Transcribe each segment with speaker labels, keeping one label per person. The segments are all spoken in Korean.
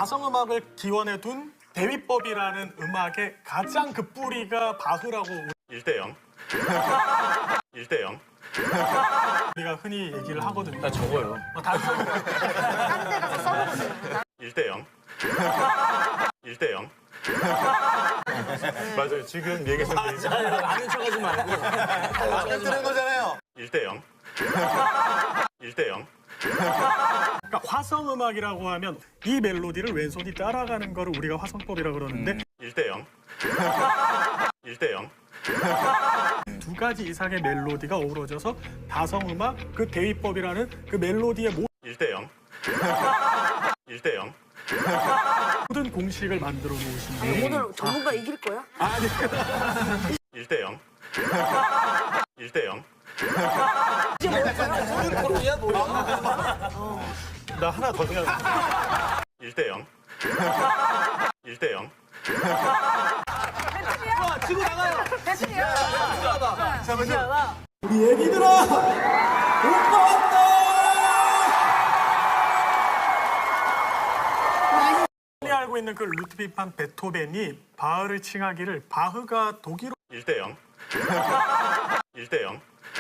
Speaker 1: 다성음악을 기원해 둔 대위법이라는 음악의 가장 그 뿌리가 바흐라고
Speaker 2: 1대0. 1대0.
Speaker 1: 우리가 흔히 얘기를 하거든요.
Speaker 3: 나 적어요.
Speaker 1: 다성
Speaker 4: 딴 데 가서 써보세요.
Speaker 2: 1대0. 1대0. 맞아요. 지금 얘기하신 게
Speaker 3: 아는 척하지 말고.
Speaker 5: 안 뜨는 거잖아요.
Speaker 2: 1대0. 1대0.
Speaker 1: 그러니까 화성음악이라고 하면 이 멜로디를 왼손이 따라가는 거를 우리가 화성법이라고 그러는데
Speaker 2: 1대0. 1대0.
Speaker 1: 두 가지 이상의 멜로디가 어우러져서 다성음악 그 대위법이라는 그 멜로디의
Speaker 2: 1대0. 1대0.
Speaker 1: 모든 공식을 만들어 놓으신 분.
Speaker 4: 오늘 전문가 이길 거야?
Speaker 2: 1대0. 1대0.
Speaker 5: 토론이야 뭐야?
Speaker 2: 나 하나 더 생각. 1대0. 1대0.
Speaker 5: 치고 나가요.
Speaker 4: 대신이야.
Speaker 5: 잠깐만요.
Speaker 1: 우리 애기들아! 오빠 왔다! 흔히 알고 있는 그 루트비프 반 베토벤이 바흐를 칭하기를 바흐가 독일어로
Speaker 2: 1대0. 1대0.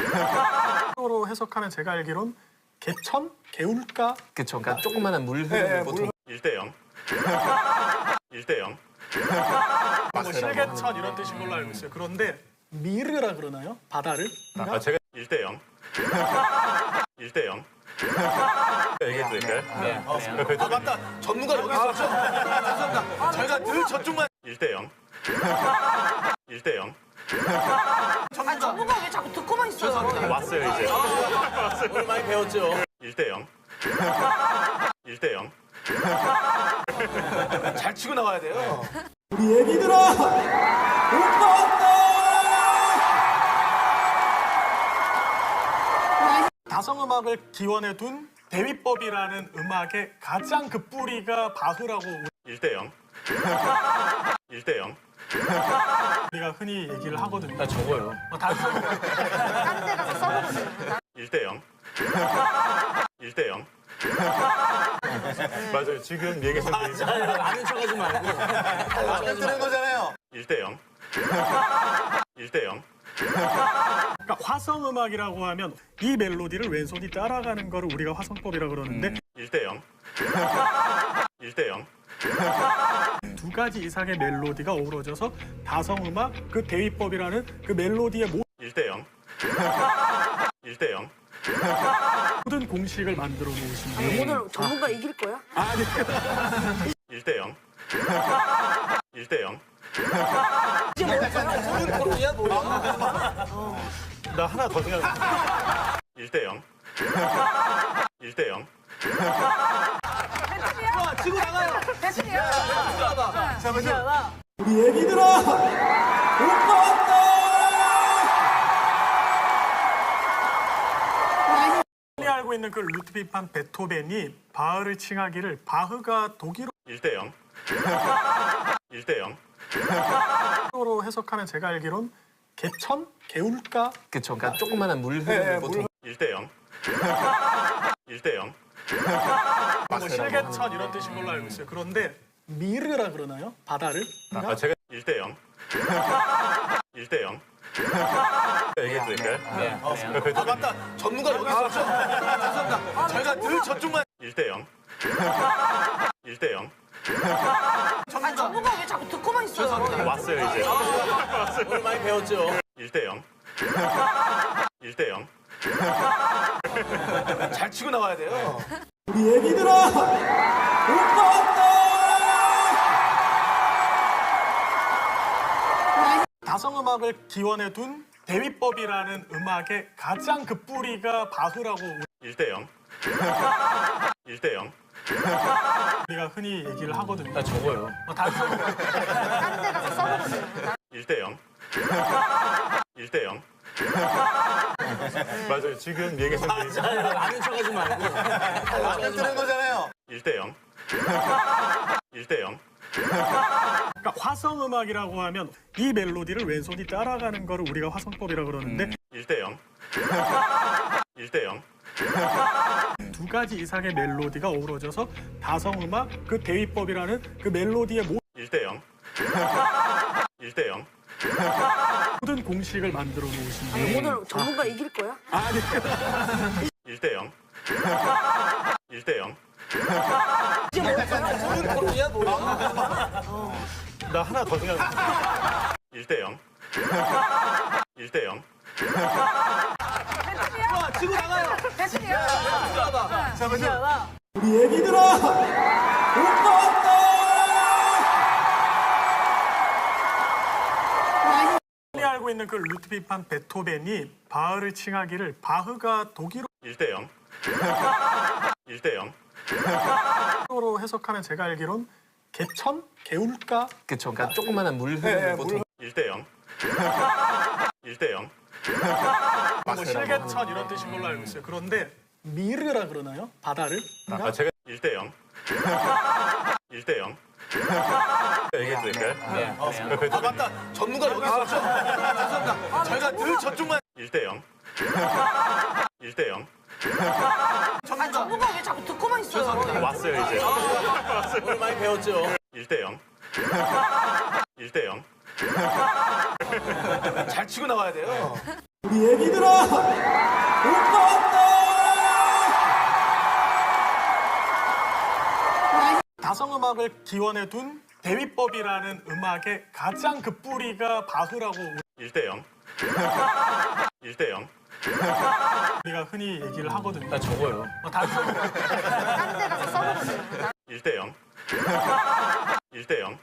Speaker 1: 해석하면 제가 알기론 개천? 개울가?
Speaker 3: 그쵸. 그러니까 조그만한 물 흐르는 보통.
Speaker 2: 1대0. 1대0.
Speaker 1: 뭐 실개천 이런 뜻인 걸로 알고 있어요. 그런데 미르라 그러나요? 바다를?
Speaker 2: 제가 1대0. 1대0. 얘기해 드릴까요?
Speaker 3: 네.
Speaker 5: 아 맞다. 전문가 여기 있었죠? 죄송합니다. 저희가 늘 저쪽만
Speaker 2: 1대0. 1대0.
Speaker 4: 아, 전문가 왜 자꾸 듣고만 있어요?
Speaker 2: 왔어요, 이제.
Speaker 5: 오늘 많이 배웠죠.
Speaker 2: 1대0. 1대0.
Speaker 5: 잘 치고 나가야 돼요.
Speaker 1: 우리 애기들아! 오빠 왔다! 다성음악을 기원해 둔 대위법이라는 음악의 가장 그 뿌리가 바흐라고
Speaker 2: 1대0. 1대0.
Speaker 1: 우리가 흔히 얘기를 하거든요.
Speaker 3: 나 적어요.
Speaker 1: 다성
Speaker 4: 딴 데 가서 써보세요.
Speaker 2: 1대0. 1대0. 맞아요. 지금 얘기하신 게
Speaker 3: 아는 척하지 말고.
Speaker 5: 안 뜨는 거잖아요.
Speaker 2: 1대0. 1대0.
Speaker 1: 그러니까 화성음악이라고 하면 이 멜로디를 왼손이 따라가는 거를 우리가 화성법이라고 그러는데
Speaker 2: 1대0. 1대0.
Speaker 1: 두 가지 이상의 멜로디가 어우러져서 다성음악 그 대위법이라는 그 멜로디의
Speaker 2: 1대0. 1대0.
Speaker 1: 모든 공식을 만들어 놓으신 분.
Speaker 4: 오늘 전문가 이길 거야?
Speaker 2: 1대0. 1대0.
Speaker 5: 토론이야 뭐야?
Speaker 2: 나 하나 더 생각. 1대0. 1대0.
Speaker 5: 치고 나가요.
Speaker 4: 대신이야.
Speaker 5: 잠깐만요.
Speaker 1: 우리 애기들아! 오빠 왔다! 흔히 알고 있는 그 루트비프 반 베토벤이 바흐를 칭하기를 바흐가 독일어로
Speaker 2: 1대0. 1대0.
Speaker 1: 해석하면 제가 알기론 개천? 개울가?
Speaker 3: 그쵸. 그러니까 조그만한 물 흐르는 보통.
Speaker 2: 1대0. 1대0.
Speaker 1: 뭐 실개천 이런 뜻인 걸로 알고 있어요. 그런데 미르라 그러나요? 바다를?
Speaker 2: 제가 1대0. 1대0. 얘기해 드릴까요?
Speaker 3: 네.
Speaker 5: 아 맞다. 전문가 여기 있었죠? 죄송합니다. 저희가 늘 저쪽만
Speaker 2: 1대0. 1대0.
Speaker 4: 아, 전문가 왜 자꾸 듣고만 있어요?
Speaker 2: 왔어요, 이제.
Speaker 5: 오늘 많이 배웠죠.
Speaker 2: 1대0. 1대0.
Speaker 5: 잘 치고 나가야 돼요.
Speaker 1: 우리 애기들아! 오빠 왔다! 다성음악을 기원해 둔 대위법이라는 음악의 가장 그 뿌리가 바흐라고
Speaker 2: 1대0. 1대0.
Speaker 1: 우리가 흔히 얘기를 하거든요.
Speaker 3: 나 적어요.
Speaker 1: 다성
Speaker 4: 딴 데 가서 써보세요.
Speaker 2: 1대0. 1대0. 맞아요. 지금 얘기하신 게
Speaker 3: 아는 척하지 말고.
Speaker 5: 안 뜨는 거잖아요.
Speaker 2: 1대0. 1대0.
Speaker 1: 그러니까 화성음악이라고 하면 이 멜로디를 왼손이 따라가는 거를 우리가 화성법이라고 그러는데
Speaker 2: 1대0. 1대0.
Speaker 1: 두 가지 이상의 멜로디가 어우러져서 다성음악 그 대위법이라는 그 멜로디의
Speaker 2: 1대 0. 1대 0.
Speaker 1: 모든 공식을 만들어 놓으신 분.
Speaker 4: 오늘 전문가 이길 거야?
Speaker 1: 아니
Speaker 2: 1대 0. 1대 0.
Speaker 5: 토론이야 뭐야?
Speaker 2: 나 하나 더 생각. 1대 0. 1대 0.
Speaker 5: 와 치고 나가요.
Speaker 4: 대신이야.
Speaker 5: 잠깐만.
Speaker 1: 우리 애기들아 오빠 왔다. 흔히 알고 있는 그 루트비프 반 베토벤이 바흐를 칭하기를 바흐가 독일어로
Speaker 2: 1대 0. 1대 0.
Speaker 1: 해석하면 제가 알기론 개천? 개울가?
Speaker 3: 그쵸. 그러니까 조그만한 물 흐르는 보통
Speaker 2: 1대 0. 1대 0.
Speaker 1: 뭐 실개천 이런 뜻인 걸로 알고 있어요. 그런데 미르라 그러나요? 바다를?
Speaker 2: 제가 1대 0. 1대 0. 얘기해도 될까요?
Speaker 5: 아 맞다. 전문가 여기 있었죠? 죄송합니다. 저희가 늘 저쪽만
Speaker 2: 1대 0. 1대 0.
Speaker 4: 전문가 왜 자꾸 듣고만 있어요?
Speaker 2: 왔어요 이제.
Speaker 5: 오늘 많이 배웠죠.
Speaker 2: 1대 0. 1대 0.
Speaker 5: 잘 치고 나가야 돼요.
Speaker 1: 우리 애기들아 오빠 왔다. 다성음악을 기원해 둔 대위법이라는 음악의 가장 그 뿌리가 바흐라고
Speaker 2: 1대 0. 1대 0.
Speaker 1: 우리가 흔히 얘기를 하거든요.
Speaker 3: 나 적어요.
Speaker 1: 다성
Speaker 4: 딴 데 가서 써보세요.
Speaker 2: 1대 0. 1대 0.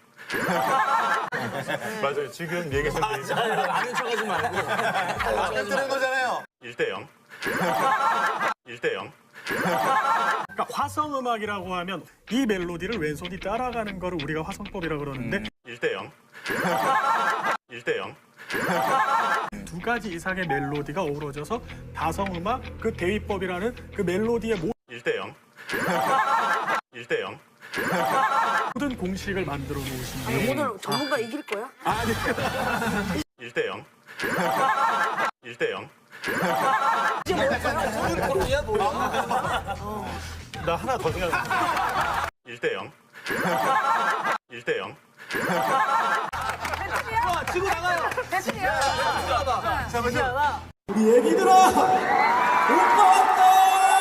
Speaker 2: 맞아요. 지금 얘기하신 게
Speaker 3: 아는 척하지 말고.
Speaker 5: 라면 뜨는 거잖아요.
Speaker 2: 1대 0. 1대 0.
Speaker 1: 그러니까 화성음악이라고 하면 이 멜로디를 왼손이 따라가는 거를 우리가 화성법이라고 그러는데
Speaker 2: 1대 0. 1대 0.
Speaker 1: 두 가지 이상의 멜로디가 어우러져서 다성음악 그 대위법이라는 그 멜로디의
Speaker 2: 1대 0. 1대 0.
Speaker 1: 모든 공식을 만들어 놓으신 분.
Speaker 4: 오늘 전문가 이길 거야?
Speaker 1: 아니
Speaker 2: 1대 0. 1대 0.
Speaker 5: 토론이야 뭐야?
Speaker 2: 나 하나 더 생각. 1대 0. 1대 0.
Speaker 5: 와 치고 나가요.
Speaker 4: 대신이야.
Speaker 5: 잠깐만.
Speaker 1: 우리 애기들아 오빠 왔다.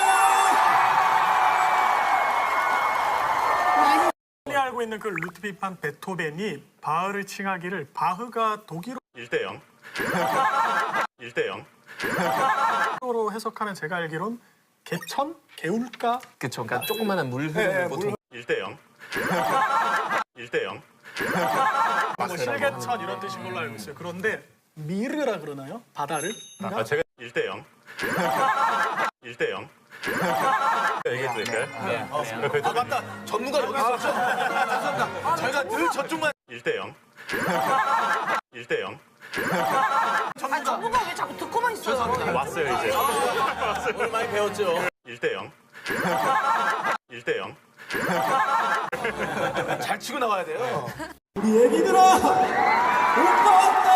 Speaker 1: 흔히 알고 있는 그 루트비프 반 베토벤이 바흐를 칭하기를 바흐가 독일어로
Speaker 2: 1대 0. 1대 0.
Speaker 1: 해석하면 제가 알기론 개천? 개울가?
Speaker 3: 그쵸. 그러니까 조그만한 물 흐르는 보통
Speaker 2: 1대 0. 1대 0.
Speaker 1: 뭐 실개천 이런 뜻인 걸로 알고 있어요. 그런데 미르라 그러나요? 바다를?
Speaker 2: 제가 1대 0. 1대 0. 얘기해도 될까요?
Speaker 5: 아 맞다. 전문가 여기 있었죠? 죄송합니다. 저희가 늘 저쪽만
Speaker 2: 1대 0. 1대 0.
Speaker 4: 전문가 왜 자꾸 듣고만 있어요?
Speaker 2: 왔어요 이제.
Speaker 5: 오늘 많이 배웠죠.
Speaker 2: 1대 0. 1대 0.
Speaker 5: 잘 치고 나가야 돼요.
Speaker 1: 우리 애기들아 오빠 왔다.